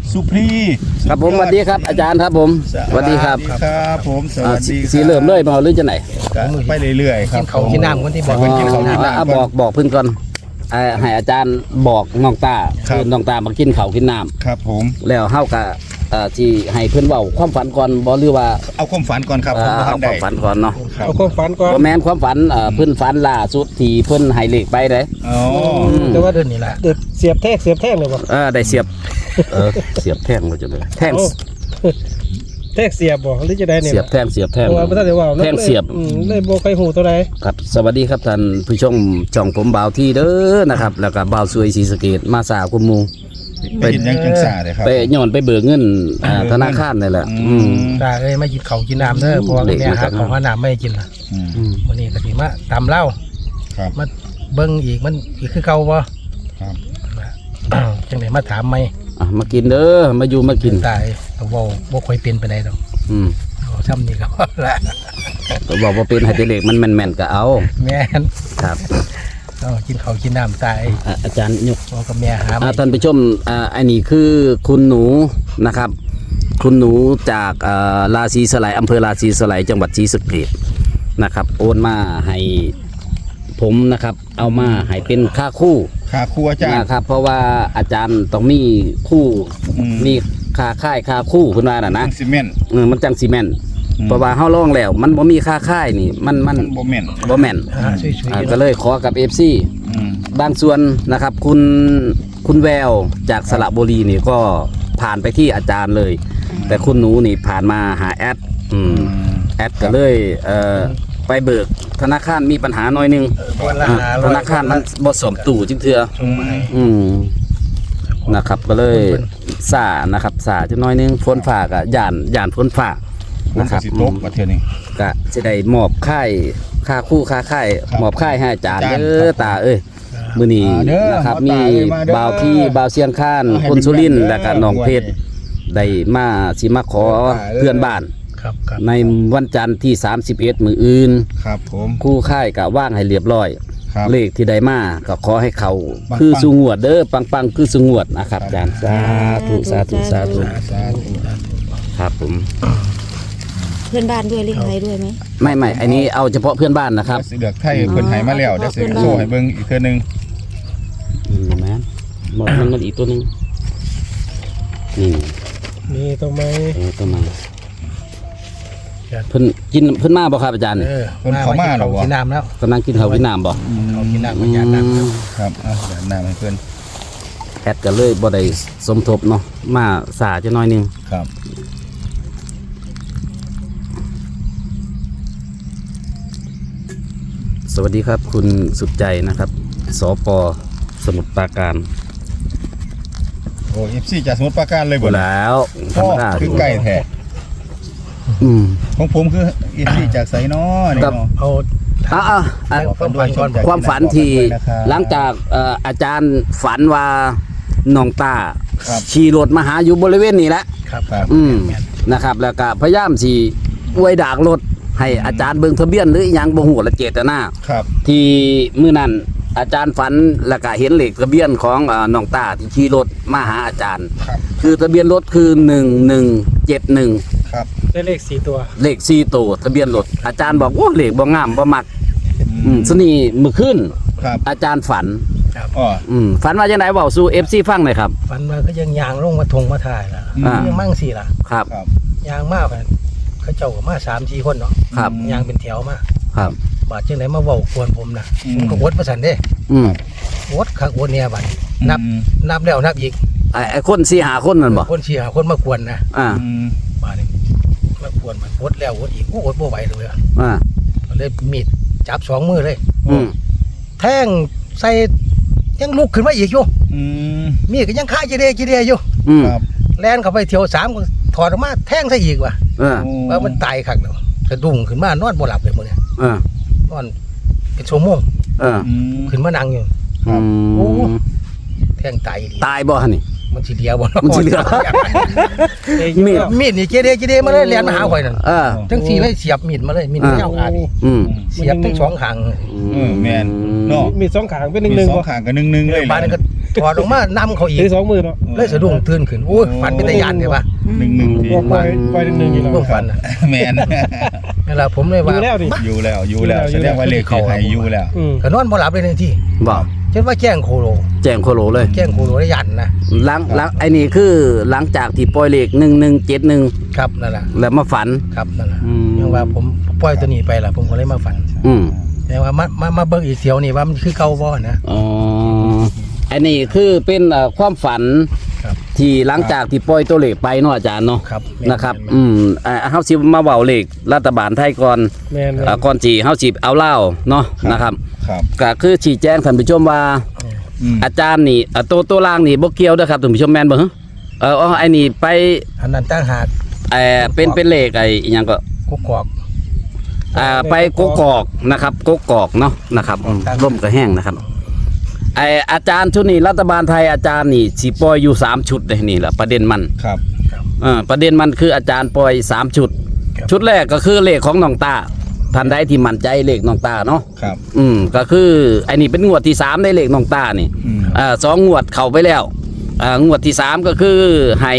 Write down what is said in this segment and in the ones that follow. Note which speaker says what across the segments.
Speaker 1: สุพรี
Speaker 2: ครับผมสวัสดีครับอาจารย์ครับผมสวัสดีครับ
Speaker 1: ครับผมสวัสดี
Speaker 2: สีเริ่มเลยมาหรือจะไหน
Speaker 1: ไปเรื่อยๆครับ
Speaker 3: กินเขากินน้ำคนที่บอก
Speaker 1: กินเขากินน้ำ
Speaker 2: บอกเพิ่นก่อนให้อาจารย์บอกน้องตา
Speaker 1: ครับ
Speaker 2: คือน้องตามากินข้าวกินน้
Speaker 1: ครับผม
Speaker 2: ำแล้วเฮาก็ที่ให้เพิ่นเว้าความฝันก่อนบ่หรือว่า
Speaker 1: เอาความฝันก่อนครับผม
Speaker 2: เอา
Speaker 1: ทำ
Speaker 2: ค
Speaker 1: ได้
Speaker 2: วามฝันก่อนเนาะ
Speaker 1: ครับ
Speaker 3: เอาความฝันก่อน
Speaker 2: บ่แม่นความฝันเพิ่นฝันล่าสุดที่เพิ่นให้เลขไปเด้
Speaker 1: อ๋อ
Speaker 3: แต่ว่าเดือนนี้แหละเดือดเสียบแท่งเลยบ่
Speaker 2: ได้เสียบเสียบแท่งบ่จังเลยแท่ง
Speaker 3: แท่งเสียบบ่หรือจะได้เนี่ย
Speaker 2: เสียบแท่ง
Speaker 3: เพราะว่าบ่ทันได้ว่า
Speaker 2: แท่งเสียบ
Speaker 3: เลยบ่ใครฮู้ตัวใด
Speaker 2: ครับสวัสดีครับท่านผู้ชมช่องผมบ่าวที่เด้อนะครับแล้วก็บ่าวสวยศรีสะเกษมาสาวกุมมู
Speaker 1: ไปเห็นยังจังสาเลยครับ
Speaker 2: ไปย้อนไปเบิกเงินธนาคารนี่แหละ
Speaker 3: ตาเอ้ยมากินเขากินน้ำเด้อเพราะว่าแม่หาของหาน้ำไม่ให้กินล่ะ
Speaker 1: อืม
Speaker 3: มื้อนี้ก็สิมาตำเหล้า
Speaker 1: ครับ
Speaker 3: มาเบิ่งอีกมันอีกคือเก่าบ่
Speaker 1: ครับ
Speaker 3: จังได๋มาถามใหม่
Speaker 2: มากินเด้อมาอยู่มากิน
Speaker 3: ตายก็เว้าบ่ค่อยเป็นปานใดดอก
Speaker 2: อืม
Speaker 3: เอาซ้ำนี่ก็พอละ
Speaker 2: ก็บอกว่าเป็นไฮเดรเลกมันแม่นๆก็เอา
Speaker 3: แม่น
Speaker 2: ครับ
Speaker 3: กินเขากินน้ำตาย
Speaker 2: อาจารย์ยก
Speaker 3: พ่อกับแม่หาไม่
Speaker 2: ท่านผู้ชมอันนี้คือคุณหนูนะครับ คุณหนูจากราศีสไลยอำเภอราศีสไลยจังหวัดศรีสะเกษนะครับโอนมาให้ผมนะครับเอามาให้เป็นค่าคู่
Speaker 1: ขาครัวจ้า
Speaker 2: นะครับเพราะว่าอาจารย์ต้องมีคู่
Speaker 1: อืม
Speaker 2: มีค่าค่ายค่าคู่คุณว่าน่ะนะ
Speaker 1: ซีเมนต์
Speaker 2: มันจังซีเมนต์
Speaker 1: อืม
Speaker 2: เพราะว่าเฮาลองแล้วมันบ่มีค่าค่ายนี่มัน
Speaker 1: บ่แม่น
Speaker 2: บ่แม่น
Speaker 3: ช่วยๆ
Speaker 2: ก็เลยขอกับ FC
Speaker 1: อืม
Speaker 2: บางส่วนนะครับคุณแววจากสระบุรีนี่ก็ผ่านไปที่อาจารย์เลย แต่คุณหนูนี่ผ่านมาหาแอดแอดก็เลยไปเบิกธนาคารมีปัญหาหน่อยนึง
Speaker 3: วันละ
Speaker 2: ธนาคารมันบ่สมตู่จิงเทื่อ
Speaker 3: ส่งมาให้
Speaker 2: นะครับก็เลยสานะครับสาจังน้อยนึงฝนฟ้าก็ย่านฝนฟ้า
Speaker 1: ผม
Speaker 2: นะค
Speaker 1: ก็
Speaker 2: รับ
Speaker 1: สิตกประเทศนี้
Speaker 2: ก็สิได้มอบค่าคู่ค่าค่าย
Speaker 1: ครับ
Speaker 2: มอบค่ายให้อาจารย์
Speaker 1: อาจารย์
Speaker 2: เด้อตาเอ้ยมื้อนี้
Speaker 1: มาเด้อ
Speaker 2: นะครับ
Speaker 1: มา
Speaker 2: มี
Speaker 1: ตาเอ้ยมาเด้อ
Speaker 2: บ่าวที่บ่าวเสียงข้าน
Speaker 1: เอาให้
Speaker 2: คนสุรินทร์
Speaker 1: เด้อ
Speaker 2: และก็น้องเพชรได้มาสิมาขอ
Speaker 1: มาตาเอ้ย
Speaker 2: เพื่อนบ้าน
Speaker 3: ครับครับ
Speaker 2: ในวันจันทร์ที่31มื้ออื่น
Speaker 1: ครับผม
Speaker 2: คู่ค่ายก็ว่างให้เรียบร้อย
Speaker 1: ครับ
Speaker 2: เลขที่ได้มาก็ขอให้เขา
Speaker 1: ปังๆ
Speaker 2: คือสุงวดเด้อปังๆคือสุงวดนะครับอาจารย์สาธุสาธุสาธุ
Speaker 1: สาธุ
Speaker 2: ครับผม
Speaker 4: เพื่อนบ้านด้วยเลี้ยงอะไรด้วยไหม
Speaker 2: ไม่อันนี้เอาเฉพาะเพื่อนบ้านนะครับ
Speaker 1: สิเลือกไทยเพิ่นให้มาแล้วเดี๋ยวสิโชว์ให้เบิ่งอีกเทื่อนึง
Speaker 2: แม่นหมดมันอีกตัวหนึงนี่
Speaker 3: นี่ต้องไหม
Speaker 2: ตัวมา
Speaker 3: ครับ
Speaker 2: เพิ่นมาบ่ครับอาจารย์
Speaker 1: เพิ่นเข้ามาแล้วบ่
Speaker 3: กินน้ำแล้ว
Speaker 2: กำลังกินข้าวกินน้ำบ่
Speaker 3: เขากินน้ำมันยาน้ำแล้ว
Speaker 1: ครับเอาเดี๋ยวน้ำให้เพิ่น
Speaker 2: แอดก็เลยบ่ได้สมทบเนาะมาสาจะน้อยหนึง
Speaker 1: ครับ
Speaker 2: สวัสดีครับ คุณสุดใจนะครับสปสมุทรปราการ
Speaker 1: โอ้ FC จากสมุทรปราการเลยบ่ล่ะ
Speaker 2: แล้วธร
Speaker 1: พ่อ
Speaker 2: รมดา
Speaker 1: คือไก่แท้
Speaker 2: อืม
Speaker 1: ของผมคือ FC จากไสน้อนี่
Speaker 2: ครับ
Speaker 1: เนาะ
Speaker 3: เอา
Speaker 2: ความฝัน
Speaker 1: ขอบคุณด้วย
Speaker 2: ความฝันที่
Speaker 1: นะครับ
Speaker 2: หลังจากอาจารย์ฝันว่าน้องตา
Speaker 1: ครับ
Speaker 2: ขี่รถมาหาอยู่บริเวณนี้แหละ
Speaker 3: ครับ
Speaker 1: ครับ
Speaker 2: นะครับ แล้วก็พยายามสิอวยดากรถให้อาจารย์เบิ่งทะเบียนหรืออหยังบ่ฮู้ละเจตนา
Speaker 1: ครับ
Speaker 2: ที่มื้อนั้นอาจารย์ฝันแล้วก็เห็นเลขทะเบียนของน้องตาที่ขี่รถมาหาอาจารย์
Speaker 1: ครับ
Speaker 2: คือทะเบียนรถคือ1171
Speaker 1: ครับ
Speaker 3: ได้เลข4ตัว
Speaker 2: เลข4ตัวทะเบียนรถอาจารย์บอกโอ้เลขบ่งามบ่มักสนี่มื้อคืน
Speaker 1: ครับ
Speaker 2: อาจารย์ฝัน
Speaker 1: อ๋อ
Speaker 2: ฝันว่าจังไดเว้าสู่ FC ฟังหน่อยครับ
Speaker 3: ฟันมาก็ยังยางลงมาทงมาถ่ายล่ะ
Speaker 2: อ่า
Speaker 3: ยังมั่งสิล่ะ
Speaker 2: ครับ
Speaker 1: ครับ
Speaker 3: ยางมากเลยเขาเจ้าก็มา3-4คนเนาะ
Speaker 2: ครับ
Speaker 3: ยางเป็นแถวมา
Speaker 2: ครับ
Speaker 3: บาดจังไหนมาเว้ากวนผมนะผมก็วดมาสั่นเด้
Speaker 2: อืม
Speaker 3: วดคักวดเนี่ยบัดนับแล้วนับอีก
Speaker 2: ไอ้คนสี่หาคนนั่นบ่
Speaker 3: คน4-5คนมากวนนะ
Speaker 2: อ่า
Speaker 3: บาดนี้มากวนมันวดแล้ววดอีกโอ้วดบ่ไหวเลยอะ
Speaker 2: อ่า
Speaker 3: ก็เลยมีดจับ2มือเลย
Speaker 2: อืม
Speaker 3: แทงใส่ยังลุกขึ้นมาอีกอยู่
Speaker 1: อืม
Speaker 3: มีดก็ยังคาจีเดอยู่
Speaker 2: อืม
Speaker 1: ครับ
Speaker 3: แล่นเข้าไปเที่ยว3ก็ถอดออกมาแทงซะอีกว่ะ
Speaker 2: เออ
Speaker 3: ว่ามันตายคักแล้วสะดุ้งขึ้นมานอนบ่หลับเลยมื้อนี้
Speaker 2: เออน
Speaker 3: อนเป็นชั่วโมง
Speaker 2: เออ
Speaker 1: อืม
Speaker 3: ขึ้นมานั่งอยู่
Speaker 1: ครับ
Speaker 3: โอ้
Speaker 2: อืม
Speaker 3: แทงตายดี
Speaker 2: ตายบ่ฮะนี่
Speaker 3: มันสิเดียวบ่
Speaker 2: มันสิเหลือ มีด
Speaker 3: มีดนี่เจเดมาเลยแล่นมาหาข่อยนั่น
Speaker 2: เออ
Speaker 3: ทั้งสี่เลยเสียบมีดมาเลยมีดยาวอาดนี่
Speaker 2: อืม
Speaker 3: เสียบทั้งสองข้าง
Speaker 1: แม่นเนาะ
Speaker 5: มีสองขางเป็นห
Speaker 1: มี
Speaker 5: นึ่ง
Speaker 1: สองข้างกับ1-1เลย
Speaker 3: บ้านนั้นก็ถอดออกมานำเขาอีก
Speaker 5: ถือ2 มือเนาะ
Speaker 3: เลยสะดุ้งตื่นขึ้นโอ้ยฝันเป็นตะยานใช่ปะ
Speaker 1: หนึ่งที
Speaker 5: บอกไปหนึ่งอยู่แล้ว
Speaker 3: เรื่องฝันน่ะ
Speaker 1: แมน
Speaker 3: เวลาผมเลยว่า
Speaker 5: อยู่แล้วดิ
Speaker 1: อยู่แล้วแสดงว่าเลขที่ให้อยู่แล้ว
Speaker 3: ก็นอนบ่หลับเลยในที่
Speaker 2: บอก
Speaker 3: เช่นว่าแจ้งโคโล
Speaker 2: แจ้งโคโลเลย
Speaker 3: แจ้งโคโลได้ยันนะ
Speaker 2: หลังไอ้นี่คือหลังจากที่ปล่อยเลข1171
Speaker 3: ครับนั่นแหละ
Speaker 2: แล้วมาฝัน
Speaker 3: ครับนั่นแหละ
Speaker 2: อืม
Speaker 3: ยังว่าผมปล่อยตัวนี้ไปล่ะผมก็เลยมาฝัน
Speaker 2: อืม
Speaker 3: แต่ว่ามาเบิ่งอีเสียวนี่ว่ามันคือเก่าบ่นะ
Speaker 2: อ๋ออันนี้คือเป็นความฝัน
Speaker 3: ครับ
Speaker 2: ที่หลังจากที่ปล่อยตัวเลขไปเนาะอาจารย์เนาะ
Speaker 3: ครับ
Speaker 2: นะครับเฮาสิมาเว้าเลขรัฐบาลไทยก่อน
Speaker 5: แม่น
Speaker 2: ก่อนสิเฮาสิเอาเล่าวเนาะนะครับ
Speaker 1: ครับ
Speaker 2: ก็คือชี้แจงท่านผู้ชมว่า อาจารย์นี่ตัวล่างนี่บ่เกี่ยวเด้อครับท่านผู้ชมแม่นบ่ฮะไอ้นี่ไป
Speaker 3: อันนั้นตั้งหาก
Speaker 2: เป็นเลขไอ้อิหยังก็
Speaker 3: กุกกอก
Speaker 2: ไปกกอกนะครับกกอกเนาะนะครับร่มก็แห้งนะครับอาจารย์ชุดนี้รัฐบาลไทยอาจารย์นี่สิปล่อยอยู่3ชุดเลยนี่แหละประเด็นมัน
Speaker 1: ครับ
Speaker 2: ประเด็นมันคืออาจารย์ปล่อย3ชุด ชุดแรกก็คือเลขของน้องตาท่านใดที่มั่นใจเลขน้องตาเนาะ
Speaker 1: ครับ
Speaker 2: ก็คือไอ้นี่เป็นงวดที่3ในเลขน้องตานี่2 งวดเข้าไปแล้วงวดที่3ก็คือให้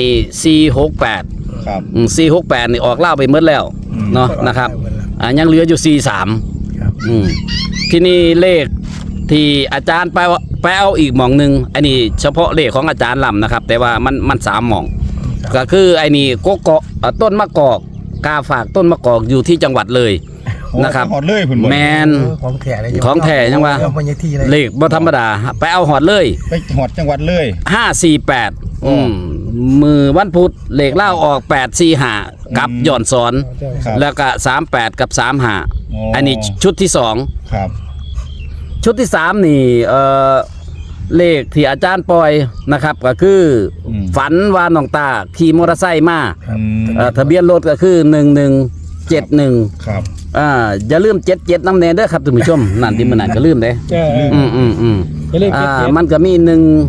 Speaker 2: 468
Speaker 1: ครับ
Speaker 2: 468นี่ออกเล่าไปหมดแล้วเนาะนะครับยังเหลืออยู่43
Speaker 3: ครับ
Speaker 2: ทีนี้เลขที่อาจารย์ไปเอาอีกหม่องหนึงอันนี้เฉพาะเลขของอาจารย์ลำนะครับ แต่ว่ามัน3หม่อง ก็คือไอ้นี่กกอกต้นมะกอกกาฝากต้นมะกอกอยู่ที่จังหวัดเลยนะครับ
Speaker 1: หอดเลยพุ่นบ่
Speaker 2: แมน
Speaker 3: ของแท้เลย
Speaker 2: ของแท้ยังว่า
Speaker 3: มันยังที่เลย
Speaker 2: เลขบ่ธรรมดาไปเอาหอดเลย
Speaker 1: ไปหอดจังหวัดเลย
Speaker 2: 548มือวันพุธเลขเล่าออก845กับหย่อนสอน
Speaker 1: ครับ
Speaker 2: แล้วก็38กับ35อันนี้ชุดที่2
Speaker 1: ครับ
Speaker 2: ชุดที่3นี่เลขที่อาจารย์ปล่อยนะครับก็คือฝันว่าน้องตาขี่มอเตอร์ไซค์มาทะเบียนรถก็คือ1171
Speaker 1: ครับ
Speaker 2: อย่าลืม77น้ำแน่เด้อครับท่านผู้ชมนั่นที่มันนั่นก็ลืมเด้
Speaker 5: อย่าลืมเก็บ
Speaker 2: มันก็มี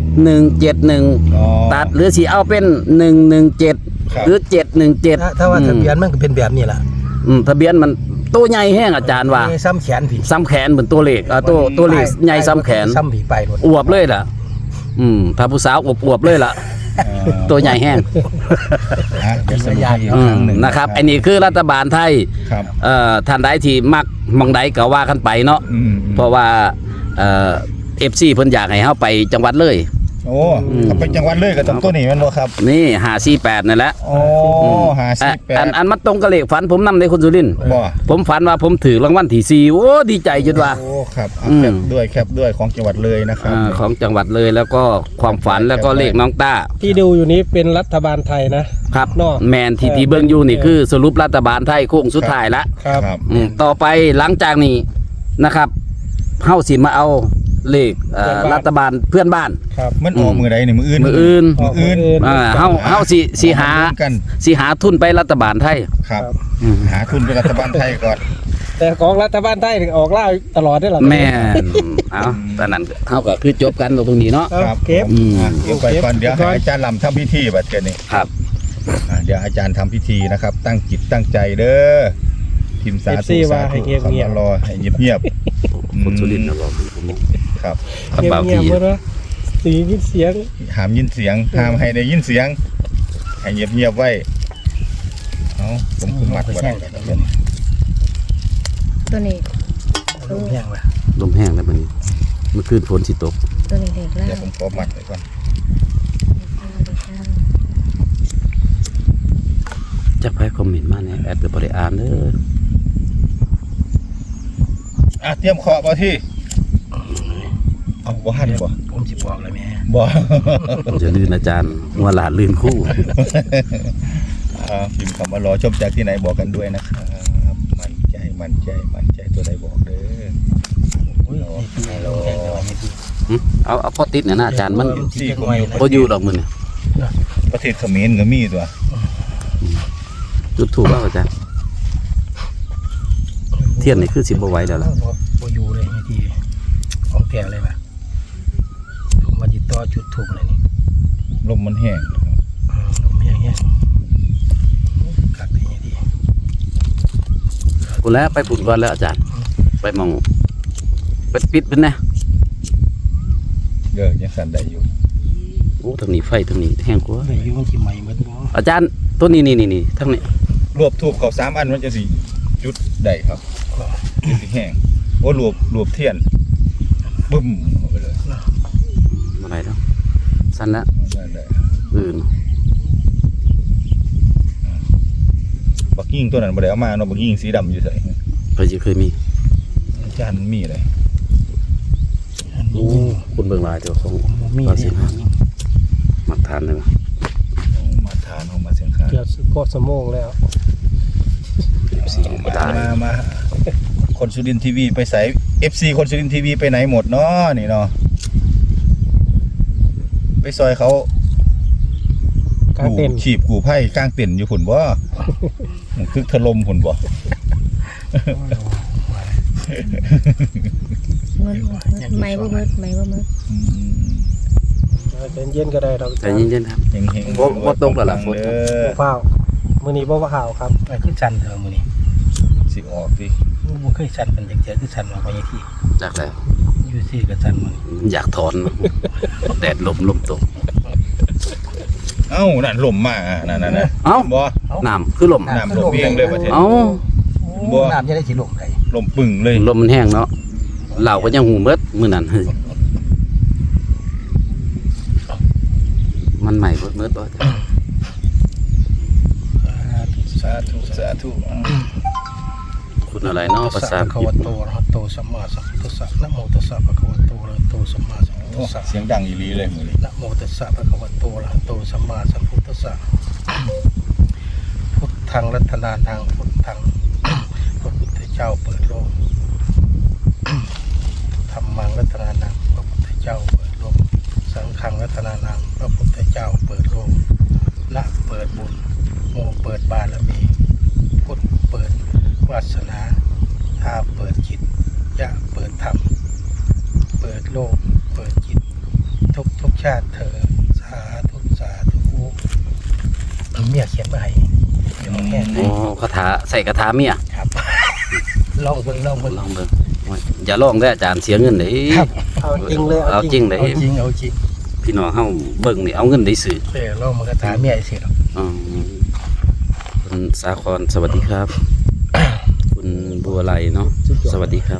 Speaker 2: 1171ตัดหรือสิเอาเป็น117หรือ717
Speaker 3: ถ้าว่าทะเบียนมันก็เป็นแบบนี้ล่ะ
Speaker 2: ทะเบียนมันตัวใหญ่แห้งอาจารย์ว่า
Speaker 3: ซ้ำแขนผี
Speaker 2: ซ้ำแขนเหมือนตัวเลขตัวเลขใหญ่ซ้ำแขน
Speaker 3: ซ้ำผีไปหมด
Speaker 2: อวบเลยล่ะถ้าผู้สาวอวบเลยล่ะ ตัวใหญ่แห้ง
Speaker 1: เดี๋ยวสรุปให้อีกครั้งหนึ่ง
Speaker 2: นะครับอันนี้คือรัฐบาลไทย
Speaker 1: ครับ
Speaker 2: ท่านใดที่มักมองใดก็ว่ากันไปเนาะเพราะว่าFC เพิ่นอยากให้เฮาไปจังหวัดเลย
Speaker 1: โอ้ถ้าไปจังหวัดเลยก็ต้องตัวนี้แม่นบ่ครับ
Speaker 2: นี่548นั่นแหละ
Speaker 1: โอ้58
Speaker 2: อันมันตรงกับเลขฝันผมนำในคุณสุรินทร์
Speaker 1: บ่
Speaker 2: ผมฝันว่าผมถือรางวัลที่4โอ้ดีใจจนว่า
Speaker 1: โอ้ครับแคปด้วยของจังหวัดเลยนะครับ
Speaker 2: ของจังหวัดเลยแล้วก็ความฝันแล้วก็เลขน้องต้า
Speaker 5: ที่ดูอยู่นี้เป็นรัฐบาลไทยนะครับ เนาะ
Speaker 2: แมนที่เบิ่งอยู่นี่คือสรุปรัฐบาลไทยโค้งสุดท้ายละ
Speaker 5: ครับ
Speaker 1: ครับ
Speaker 2: ต่อไปหลังจากนี้นะครับเฮาสิมาเอาเลขรัฐบาลเพื่อนบ้าน
Speaker 5: ครับ
Speaker 1: มันออกมือใดนี่มืออื่น
Speaker 2: มื้ออื่น
Speaker 1: มืออื่น
Speaker 2: เฮาสิหา
Speaker 1: กัน
Speaker 2: สิหาทุนไปรัฐบาลไทย
Speaker 1: ครับ หาทุนเป็นรัฐบาลไทยก่อน
Speaker 5: แต่ของรัฐบาลไทยออกล่าตลอดได้หรอ
Speaker 2: แม่นเอาตอนนั้นเฮาก็คือจบกันตรงนี้เนาะ
Speaker 5: ครับเก็บ
Speaker 1: เก็บไปก่อนเดี๋ยวให้อาจารย์ลำทำพิธีบัดเดี๋ยวนี้
Speaker 2: ครับ
Speaker 1: เดี๋ยวอาจารย์ทำพิธีนะครับ ตั้งจิตตั้งใจเด้อทีมสาธุสาธุคำว่ารอให้เงียบๆ
Speaker 2: คนสุรินทร์นะบอก
Speaker 1: ครับ
Speaker 2: กระเป๋า
Speaker 5: เงียบ
Speaker 2: พี่
Speaker 5: ๆหมดนะสียินเสียง
Speaker 1: ห้ามยินเสียงห้ามให้ได้ยินเสียงให้เงียบๆไว้เอาผมคุมมัดไว้
Speaker 4: ตัวนี้
Speaker 3: ลูกแห้งว่ะ
Speaker 2: ลมแห้งแล้วมันเมื่อคืนฝนสิตก
Speaker 4: ตัวนี้เด็กล่า
Speaker 1: เดี๋ยวผมขอมัดไว้ก่อน
Speaker 2: จักไผคอมเมนต์มาเนี่ยแอดก็บ่ได้อ่านเด้อ
Speaker 1: เตรียมขอบ่ที่เอาบ่หันบ่
Speaker 3: ผมสิบอกเลยแม่
Speaker 1: บ่
Speaker 2: ผมจะลื่นอาจารย์หัวหลานลื่นคู่
Speaker 1: พิมพ์คำว่ารอชมจากที่ไหนบอกกันด้วยนะครับมั่นใจตัวใดบอกเด้อ
Speaker 3: อุ้ยนี่ลูกแห้งเลยว่ะนี่ที่
Speaker 2: เอาพอติดเนี่ยนะอาจารย์มัน
Speaker 1: ซี่ผมอยู่
Speaker 2: บ่อยู่ดอกมื้อนี่
Speaker 1: ประเทศเขมรก็มีตัว
Speaker 2: จุดถูกแล้วอาจารย์เทียนนี่คือสิบ่ไหวแล้วล่ะ
Speaker 3: บ่อยู่เลยนี่ที่ของแท้เลยว่ะผมมาติดต่อจุดถูกเลยนี่
Speaker 1: ลมมันแห้ง
Speaker 3: ลูกแห้งกักได้ยังดี
Speaker 2: กูแล้วไปปุ่นก่อนแล้วอาจารย์ ไปมองไปปิดเป็นนะ
Speaker 1: ยังสั่นได้อยู่
Speaker 2: โอ้ทางนี้ไฟทางนี้แห้งกว่า
Speaker 3: ในยุ่งที่ใหม่เหมือนบ่
Speaker 2: อาจารย์ตัวนี้นี่ทางนี้
Speaker 1: รวบทูบเขา3อันมันจะสิจุดได้ครับจะสิแห้งโอ้รวบเทียนบึ้มเอาไปเลย
Speaker 2: อะไรเนาะสั้นแล้ว
Speaker 1: นั่นแหละ บักยิ่งตัวนั้นบ่ได้เอามาเนาะบักยิ่งสีดำอยู่ไส
Speaker 2: เคยมี
Speaker 1: อาจารย์มีเลย
Speaker 2: โอ้คุณเบิ่งลายเจ้าของ
Speaker 3: มี
Speaker 2: ว่าสิ
Speaker 3: เนี่ย
Speaker 2: มักทานเลยมั้ย
Speaker 1: มาทานของมาเสียงคาน
Speaker 5: เกือบก็สมองแล้ว
Speaker 2: สีตาย
Speaker 1: มาคนสุรินทร์ทีวีไปใส่ FC คนสุรินทร์ทีวีไปไหนหมดเนาะนี่เนาะไปซอยเขา
Speaker 5: กลางเต็นท์
Speaker 1: ฉีบกูไผ่กลางเต็นท์อยู่พุ่นบ่ มันคึกถล่มพุ่นบ่
Speaker 4: ไม่บ่มืดไม่บ่มืด
Speaker 1: อืม
Speaker 5: ใจเย็นก็ได้เรา
Speaker 2: ใจเย็นๆครับ
Speaker 1: เฮงๆ
Speaker 2: บ่ตกแล้วล่ะฝน
Speaker 1: เด้อ
Speaker 5: เปล่ามื้อนี้บ่ว่าข่าวครับ
Speaker 3: ไอ้คือสั่นเถอะมื้อนี้
Speaker 1: สิออกสิ
Speaker 3: บ่เคยสั่นเป็นจังซี่คือสั่นว่าบ่ยังที่
Speaker 2: จากแล้ว
Speaker 3: อยู่ซี่ก็สั่นมัน
Speaker 2: อยากถอนแดดลมตก
Speaker 1: เอ้านั่นลมมานั่นๆๆ
Speaker 2: เอ้า
Speaker 1: บ่
Speaker 2: น้ำคือลม
Speaker 1: น้ำลมเองเลยประเทศ
Speaker 2: เอ้า
Speaker 1: บ่
Speaker 3: น้ำจะได้สิลงได้
Speaker 1: ลมปึ่งเลย
Speaker 2: ลมมันแห้งเนาะเหล่าก็ยังหูเบิดมื้อนั้นเฮ้ยมันใหม่เบิดบ่
Speaker 1: สาธุ
Speaker 2: คุณอะไรเนาะภาษาอัง
Speaker 3: ภะ
Speaker 2: กฤ
Speaker 3: คะ
Speaker 2: ษ
Speaker 3: วะโตอะระหะโตสัมมาสัมพุทธัสสะนะโมตัสสะภะคะวะโตอะระหะโตสัมมาสัมพุทธัสสะ
Speaker 1: เสียงดังอีหลีเลยมื้อนี้
Speaker 3: นะโมตัสสะภะคะวะโตอะระหะโตสัมมาสัมพุทธัสสะพุทธังรัตนานังพุทธัง พระพุทธเจ้าเปิดโลกธัมมังรัตนานังพระพุทธเจ้าเปิดโลกสังฆังรัตนานังพระพุทธเจ้าเปิดโลกละเปิดบุญโมเปิดบารมีพุทธเปิดวาสนาทาเปิดจิตยะเปิดธรรมเปิดโลกเปิดจิตทุกชาติเธอสาธุเมียเขียนมาให้เดี๋ยวแห้ง
Speaker 2: อ๋อคาถาใส่คาถาเมีย
Speaker 3: ครับ ลองเบิ่ง
Speaker 2: ลองเบิ่งอย่าลองได้ออาจารย์เสียเงินเด้
Speaker 5: เอาจริงเลย
Speaker 2: เอาจริงเด้
Speaker 3: เอาจริง
Speaker 2: พี่น้องเฮาเบิ่งนี่เอาเงินได้ซื้อ
Speaker 3: ลองมันก็ถามเมียสิหรอก
Speaker 2: อ๋อคุณสาครสวัสดีครับ คุณบัวไหลเนาะสวัสดีครับ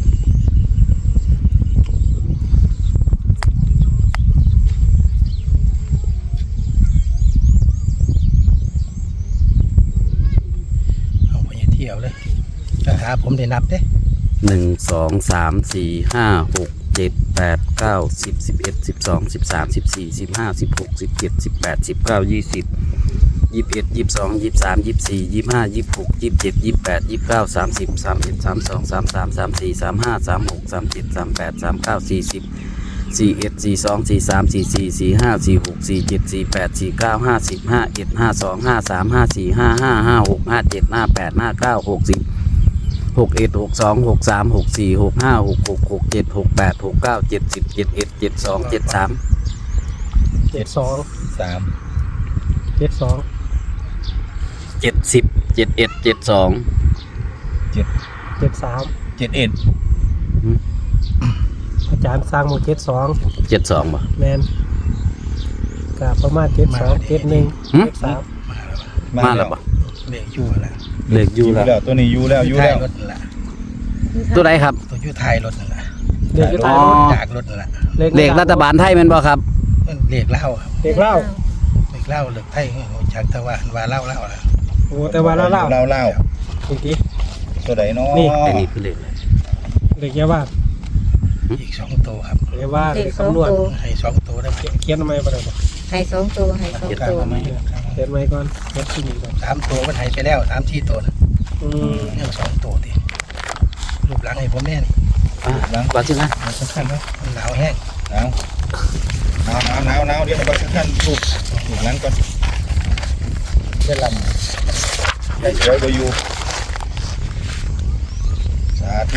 Speaker 3: เอาไปเที่ยวเลยคาถาผมได้นับเด้
Speaker 2: 1 2 3 4 5 6 7 8 9 10 11 12 13 14 15 16 17 18 19 20 21 22 23 24 25 26 27 28 29 30 31 32 33 34 35 36 37 38 39 40 41 42 43 44 45 46 47 48 49 50 51 52 53 54 55 56 57 58 59 60 61 62 63 64 65 66 67 68 69 70 71 72 73
Speaker 5: 72
Speaker 1: 3
Speaker 5: 72
Speaker 2: 70 71 72
Speaker 5: 73
Speaker 1: 71
Speaker 5: อาจารย์สร้างหมู่72
Speaker 2: 72บ่
Speaker 5: แมนก็ประมาณ72 71 73
Speaker 2: มาแล้วบ่
Speaker 3: เลขอยู่แล้ว
Speaker 2: เลขอยู่แล้ว
Speaker 1: ตัวนี้อยู่แล้ว
Speaker 3: ท้ายรถนั่นแหละ
Speaker 2: ตัวใดครับ
Speaker 3: ตัวอยู่ท้ายรถนั่นแหละ
Speaker 5: เลข
Speaker 2: อ๋อ
Speaker 3: จากรถนั่นแหละ
Speaker 2: เลขรัฐบาลไทยแม่นบ่ครับ
Speaker 3: เลขเล่าครับ
Speaker 5: เลขเล่า
Speaker 3: เลขเล่าเลขไทยจากตะวันว่าเล่าล่ะ
Speaker 5: โอ้แต่ว่าเล่า
Speaker 1: เล่า
Speaker 5: จริง
Speaker 1: ตัวใดเนาะ
Speaker 5: นี่
Speaker 2: อันนี้คือเลขอะไร
Speaker 5: ๆเลขยาว่า
Speaker 3: อีก2ตัวครับ
Speaker 5: เลขว่าเลขคำนวณ
Speaker 3: ให้2ตัวได้
Speaker 5: เขียนทำไมบ่ได้บ่
Speaker 4: ให้สองตัวให้สองตัว
Speaker 5: เขียนไว้ก่อนเขียนที่นี่ก่อน
Speaker 3: 3ตัวมันให้ไปแล้ว3 4ตัวนะ
Speaker 5: อืม
Speaker 3: ยัง2ตัวดิรูปหลังให้ผมแน่น
Speaker 2: ว่าสินะ
Speaker 3: มันสำคัญเนาะมันหนาวแห้ง
Speaker 1: หนาวเดี๋ยวเราไปขั้นถูกหลังก่อนได้ลำได้สวยบ่อยู่สาธุ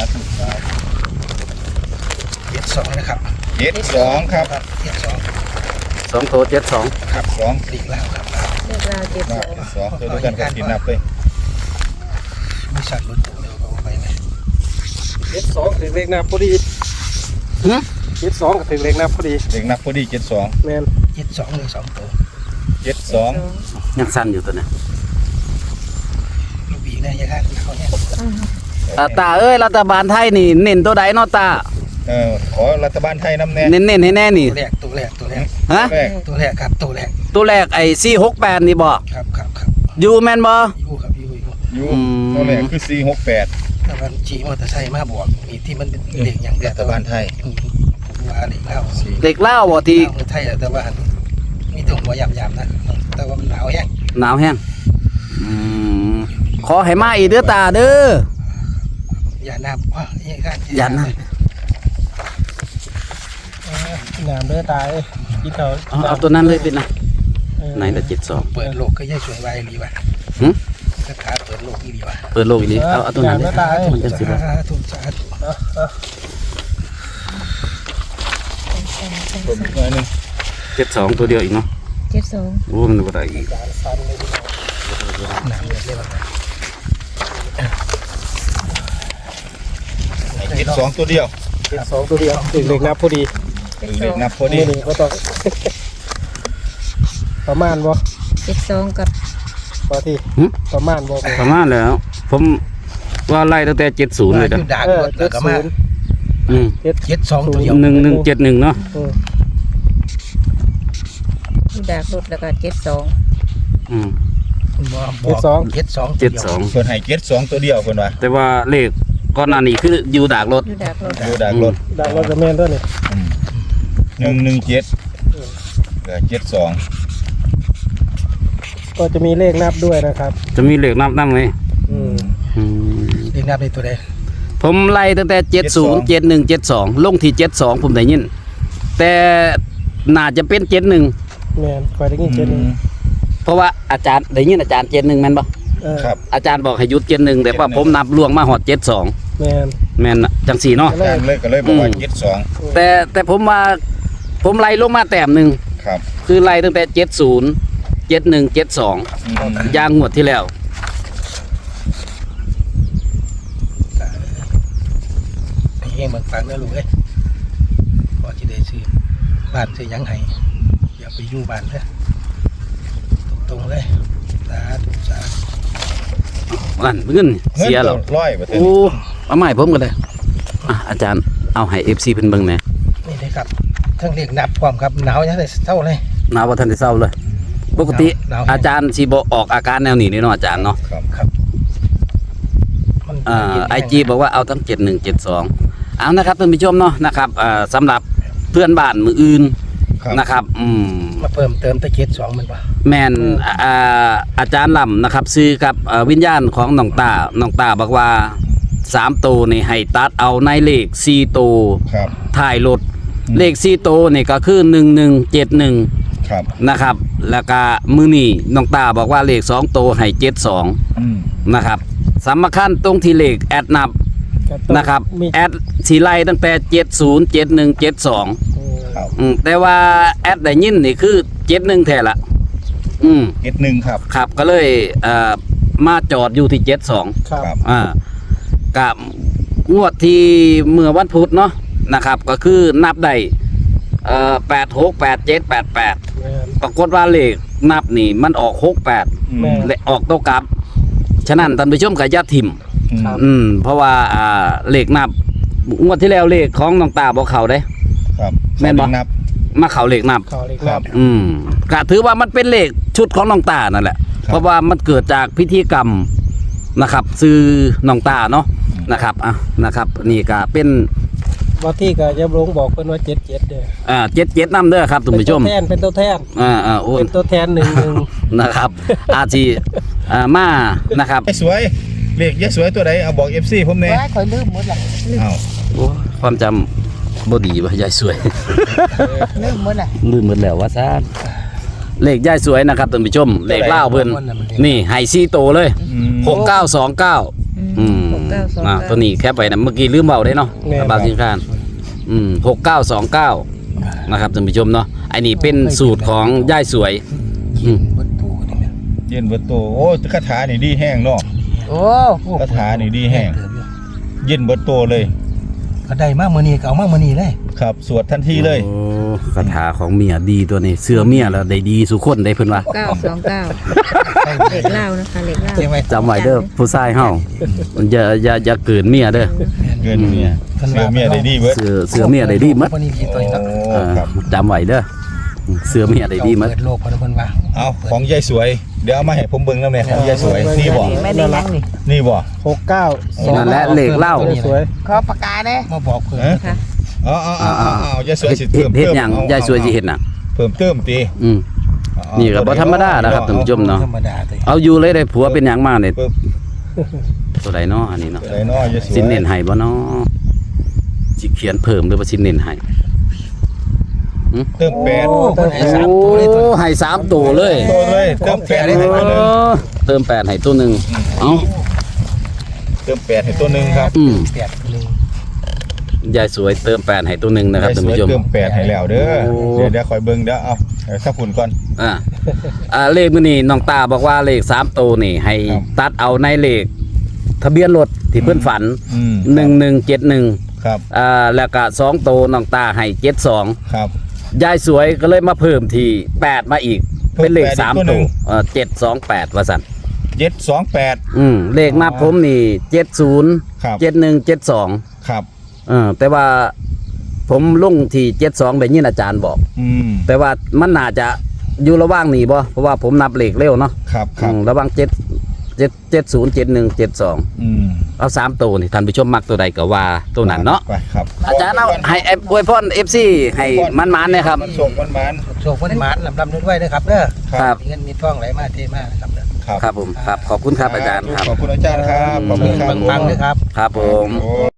Speaker 3: 72นะครับ
Speaker 1: 72ครับ
Speaker 3: 72
Speaker 2: 2โต72
Speaker 1: ครับ2
Speaker 3: เลขเล่าครับ
Speaker 4: เลือกเราเจ็ดสอง
Speaker 1: 2ตัวด้วยกันก็กินนับเลย
Speaker 3: มีสัตว์รถตู้เดี๋ยวเอาไปไหม
Speaker 5: 72ถึงเลขหน้าพอดี
Speaker 2: หึ
Speaker 5: 72ก็ถึงเลขนับพอดี
Speaker 1: เด็กนับพอดี72
Speaker 5: แม่น
Speaker 3: 72เลย2ตัว
Speaker 1: 72
Speaker 2: ยังสั้นอยู่ตัวนี้
Speaker 3: ลูกบีเนี่ยยังไงเขาเนี่ย
Speaker 2: ตาเอ้ยรัฐบาลไทยนี่เน้นตัวใดเนาะตา
Speaker 1: ขอรัฐบาลไทยน้ำแน่
Speaker 2: เน้นให้แน่นี่
Speaker 3: ตัวแรก
Speaker 2: ฮะ
Speaker 1: แรก
Speaker 3: ตัวแรกครับตัวแรก
Speaker 2: ตัวแรกไอ้468นี่บ่
Speaker 3: ครับ
Speaker 2: อยู่แม่นบ่
Speaker 3: อยู่ครับอยู่
Speaker 1: อยู่
Speaker 2: อืม
Speaker 1: ตัวแรกคือ468
Speaker 3: แต่มันขี่มอเตอร์ไซค์มาบวกมีที่มันเป็นเด็กอย่างเดียว
Speaker 1: รัฐบาลไทย
Speaker 3: ผมว่าเด็กเล่า
Speaker 2: เด็กเล่าวบ่ที่
Speaker 3: ไทยแต่ว่ามีถุงหัวยำๆนะแต่ว่ามันหนาวแห้ง
Speaker 2: หนาวแห้งอืมขอให้มาอีกเด้อตาเด้อ
Speaker 3: อย่าน้ำว่าอย่างนั้น
Speaker 2: อย่าน้
Speaker 5: น้ำเด้อตาเอ้ยกินเถอะ
Speaker 2: เอาตัวนั้นเลยเป็นนะไหนละ72
Speaker 3: เปิดโลกก็ยังสวยไวรีว่ะ
Speaker 2: หึ
Speaker 3: คาถาเปิดโลกอีรีว่ะ
Speaker 2: เปิดโลกอีนี้เอาตัวนั้นเลยมันจะสิบ่
Speaker 3: ถูกสาธุ
Speaker 1: เพิ่มอีกหน่อยหนึง
Speaker 2: 72ตัวเดียวอีกเนาะ
Speaker 4: 72
Speaker 2: โอ้มันบ่ได้อีก
Speaker 3: น้ำเลยว่ะ
Speaker 1: 72ตัวเดียว
Speaker 5: 72ตัวเดียวถึงเลขนับพอดี
Speaker 1: เด็กนับพอดี
Speaker 5: นี่บ่ต้อง ประมาณบ่
Speaker 4: 72กับ
Speaker 5: พอที่ประมาณบ่
Speaker 2: ประมาณแล้ว ผมว่าไล่ตั้งแต่70เลย
Speaker 3: อ
Speaker 2: จ้ะ
Speaker 3: ยู่ด่างรถแล้วก็มา
Speaker 2: อืม
Speaker 3: 72ตัวเดียว
Speaker 2: 1171เนาะ
Speaker 4: อยู่ดากรถแล้วก็72
Speaker 2: อืม
Speaker 3: 72
Speaker 2: 72
Speaker 1: เพิ่นให้72ตัวเดียวเพิ่นว่า
Speaker 2: แต่ว่าเลขก่อนหน้านี้คืออยู่ดากรถ
Speaker 4: อยู่ดากรถ
Speaker 1: อยู่ดากรถ
Speaker 5: ดังรถจะแม่นด้วยนี่
Speaker 1: 117เหลือ72
Speaker 5: ก็จะมีเลขนับด้วยนะครับ
Speaker 2: จะมีเลขนับนำไหม
Speaker 5: อืม
Speaker 2: อืม
Speaker 3: เรียกนับในตัวใด
Speaker 2: ผมไล่ตั้งแต่70 71 72ลงที่72ผมได้ยินแต่น่าจะเป็น71
Speaker 5: แม่นคอยได้ยินเจ็ดหนึ่ง
Speaker 2: เพราะว่าอาจารย์ได้ยินอาจารย์71แม่นบ่
Speaker 1: ครับ
Speaker 2: อาจารย์บอกให้หยุด71แต่ว่าผมนับล่วงมาฮอด72
Speaker 5: แม่น
Speaker 2: แม่นน่ะจังสี่เนาะ
Speaker 1: อาจารย์เลยก็เลยบอกว่า72
Speaker 2: แต่ผมว่าผมไล่ลงมาแต้มหนึง
Speaker 1: ครับ
Speaker 2: คือไล่ตั้งแต่70 71 72ยางงวดที่แล้ว
Speaker 3: พี่เองเบิ่งฟังนะลูกเอ้ยพอจะได้ซื้อบ้านซื้อหยังให้อย่าไปอยู่บ้านเด้อตรงๆเลยสาธุสาธุ
Speaker 2: นั่นเงินเสียหรอ
Speaker 1: ร้อยบ่ถึง
Speaker 2: โอ้เอาใหม่ผมก็ได้อาจารย์เอาให้ FC เพิ่นเบิ่งแหน่
Speaker 3: นี่เลยครับทั้งเรียกนับความครับหนาวยังได้เท่าเลย
Speaker 2: นาบ่ทันได้เศร้าเลย ปกติ
Speaker 3: หนาว
Speaker 2: อาจารย์สิบ่ออกอาการแนวนี้นี่เนาะอาจารย์เนาะ
Speaker 1: ครับ
Speaker 3: ครับมัน
Speaker 2: IG บอกว่าเอาทั้ง7172เอานะครับท่านผู้ชมเนาะนะครับสำหรับเพื่อนบ้านมืออื่น
Speaker 1: ครับ
Speaker 2: นะครับ
Speaker 3: มาเพิ่มเติมตะเกียบ2มันป่ะ
Speaker 2: แม่นอาจารย์ลำนะครับซื้อกับวิญญาณของน้องตาบอกว่า3ตัวนี่ให้ตัดเอาในเลข4ตัว
Speaker 1: ครับ
Speaker 2: ถ่ายรถ
Speaker 1: อืม
Speaker 2: เลข4ตัวนี่ก็คือ1171
Speaker 1: ครับ
Speaker 2: นะครับแล้วก็มื้อนี้น้องตาบอกว่าเลข2ตัวให้72
Speaker 1: อืม
Speaker 2: นะครับสำคัญตรงที่เลขแอดนับ
Speaker 5: ก็ต้อง
Speaker 2: นะครับ
Speaker 5: มี
Speaker 2: แอดสีไล่ตั้งแต่70 71 72
Speaker 1: ครับ
Speaker 2: แต่ว่าแอดได้ยินนี่คือ71แท้ละ
Speaker 1: 71ครับ
Speaker 2: ครับก็เลยมาจอดอยู่ที่72
Speaker 5: ครับ
Speaker 1: ครับ
Speaker 2: กับงวดที่เมื่อวันพุธเนาะนะครับก็คือนับได้86 87 88
Speaker 5: แม่น
Speaker 2: ปรากฏว่าเลขนับนี่มันออก 68
Speaker 1: อืม
Speaker 2: และออกโตกลับ ฉะนั้นท่านผู้ชมก็อย่าทิ่ม
Speaker 1: อืม
Speaker 2: เพราะว่าเลขนับงวดที่แล้วเลขของน้องตาบ่เข้าเด้
Speaker 1: ครับ
Speaker 2: แม่นบ่
Speaker 1: นับ
Speaker 2: มาเข้าเลขนับ
Speaker 5: เขาเลข
Speaker 1: ครั
Speaker 5: นั
Speaker 1: บ
Speaker 5: บ
Speaker 2: ก็ถือว่ามันเป็นเลขชุดของน้องตานั่นแหละ
Speaker 1: ครับ
Speaker 2: เพราะว่ามันเกิดจากพิธีกรรมนะครับซื้อน้องตาเนาะนะครับนะครับนี่ก็เป็น
Speaker 5: ว่าที่ก็ยำลงบอกเพิ่นว่า77เด้อ
Speaker 2: 77นำเด้อครับท่านผู้ชม
Speaker 5: เป็นตัวแทน
Speaker 2: โอ้ย
Speaker 5: เป็นตัวแทนหนึ่ง
Speaker 2: นะครับ อาจีมานะครับ
Speaker 1: ยายสวยเลขยายสวยตัวใดเอาบอก FC ผมแน่
Speaker 3: คอยลืมหมดละ
Speaker 1: อ้าว
Speaker 2: โอ้ความจำบ่ดีว่ายายสวย
Speaker 3: ลืมหมดละ
Speaker 2: ลืมหมดแล้วว่าซ่านเลขยายสวยนะครับท่านผู้ชมเลขเล่าวเพิ่นนี่ไฮซีโตเลย
Speaker 1: อืม
Speaker 2: 6929
Speaker 4: 6929
Speaker 2: ตัวนี้แคปไว้นะเมื่อกี้ลืมเบาได้เนาะบางสินค้าน6929นะครับท่านผู้ชมเนาะไอ้นี่เป็นสูตรของยายสวย
Speaker 3: บนตู้นี่นะ
Speaker 1: เย็นเบิดโตโอ้คาถานี่ดีแห้งเนาะ
Speaker 3: โอ้
Speaker 1: คาถานี่ดีแห้งเย็นเบิดโตเลย
Speaker 3: ก็ได้มามื้อนี้ก็เอามามื้อนี้เลย
Speaker 1: ครับสวดทันทีเลย
Speaker 2: โอ้คาถาของเมียดีตัวนี้เสื้อเมียแล้วได้ดีสุคนได้เพิ่นว่า
Speaker 4: 929เลขเล่านะคะเลขเล่า
Speaker 3: ใช่ไหม
Speaker 2: จำไว้เด้อผู้ชายเฮาอย่าเกินเมียเด้อ
Speaker 1: เงินเมียเสือเมียได้ดีเบิด
Speaker 2: เสื้อเมียได้ดีหมด
Speaker 3: วันนี้กี่ตัวเนาะ
Speaker 1: โอ้ครับ
Speaker 2: จำไว้เด้อเสื้อเมียได้ดีหมด
Speaker 3: เปิดโลกเพิ่นว่า
Speaker 1: เอาของยายสวย เดี๋ยวเอามาให้ผมเบิ่งนำแน่ของยายสวยนี่บ่
Speaker 4: ไม่ได้ยังนี่
Speaker 1: นี่บ่
Speaker 5: 69
Speaker 2: นั่นแหละเลขเล่า
Speaker 5: สวย
Speaker 4: ขอปากกาเด้
Speaker 3: มาบอกเพิ่น
Speaker 1: ฮะ
Speaker 4: ค่ะ
Speaker 1: เอายายสวยสิเพิ่ม
Speaker 2: เฮ็ดหยังยายสวยสิเฮ็ดน่ะ
Speaker 1: เพิ่มเติมติ
Speaker 2: อืม นี่ก็บ่ธรรมดานะครับท่านผู้ชมเนาะ
Speaker 3: ธรรมดาเลย
Speaker 2: เอาอยู่เลยได้ผัวเป็นหยังมาเนี่ยตัวใดเนาะอันนี้เนาะ
Speaker 1: ได้น้อยยายสวย
Speaker 2: สินเน้นให้บ่เนาะสิเขียนเพิ่มหรือว่าสินเน้นให้
Speaker 1: เติมแปด
Speaker 3: โอ้เพิ่นให้สาม
Speaker 2: โอ้
Speaker 3: ตัวเลยตัว
Speaker 2: ให้3ตัวเลย
Speaker 1: ตัวเลยเติมแปดให้ตัวหนึง
Speaker 2: เติม8ให้ตัวหนึงเอ้า
Speaker 1: เติมแปดให้ตัวหนึงครับ
Speaker 2: อืม
Speaker 3: แปดหนึ่ง
Speaker 2: ยายสวยเติม8ให้ตัวหนึงนะครับ
Speaker 1: ยาย
Speaker 2: ท่าน
Speaker 1: สวย
Speaker 2: ผู้ชม
Speaker 1: เติมแปดให้แล้วเด้อ
Speaker 2: โอ้
Speaker 1: เดี๋ยวคอยเบิ่งเดี๋ยวเอาสักฝุ่นก่อน
Speaker 2: เลขมื้อนี้น้องตาบอกว่าเลข3ตัวนี่ให้
Speaker 1: ครับ
Speaker 2: ตัดเอาในเลขทะเบียนรถที่เพิ่นฝัน
Speaker 1: อืม
Speaker 2: 1171
Speaker 1: ครับ
Speaker 2: แล้วก็2ตัวน้องตาให้72
Speaker 1: ครับ
Speaker 2: ยายสวยก็เลยมาเพิ่มที่8มาอีก
Speaker 1: เพิ่ม
Speaker 2: เป็นเลข
Speaker 1: 8อีกตัว
Speaker 2: 3
Speaker 1: หนึ่
Speaker 2: ตัว
Speaker 1: ง
Speaker 2: 728ว่าซั่น
Speaker 1: 728
Speaker 2: เลขมาผมนี่70
Speaker 1: ครับ
Speaker 2: 71 72
Speaker 1: ครับ
Speaker 2: แต่ว่าผมลงที่72ได้ยินอาจารย์บอก
Speaker 1: อืม
Speaker 2: แต่ว่ามันน่าจะอยู่ระหว่างนี้บ่เพราะว่าผมนับเลขเร็วเนาะ
Speaker 1: ครับครับ
Speaker 2: ระหว่าง70 71 72
Speaker 1: อืม
Speaker 2: เอา3ตัวนี่ท่านผู้ชมมักตัวใดก็ว่าตัวนั้นเนาะ
Speaker 1: ไปครับ
Speaker 2: อาจารย์เอาให้อวยพร FC ให้มันๆเนี่ยครับ
Speaker 1: มันส่งมัน
Speaker 3: โชควันหมานลำด้วยนะครับเด้อ
Speaker 2: ครับ
Speaker 3: มีเงินมีทองไหลมาเทมานะครับเด้อ
Speaker 1: ครับ
Speaker 2: ครับผมครับขอบคุณครับอาจารย์ครับ
Speaker 1: ขอบคุณอาจารย์ครับขอบคุณครับ
Speaker 3: ปังๆเลยครับ
Speaker 2: ครับผม
Speaker 1: โอ้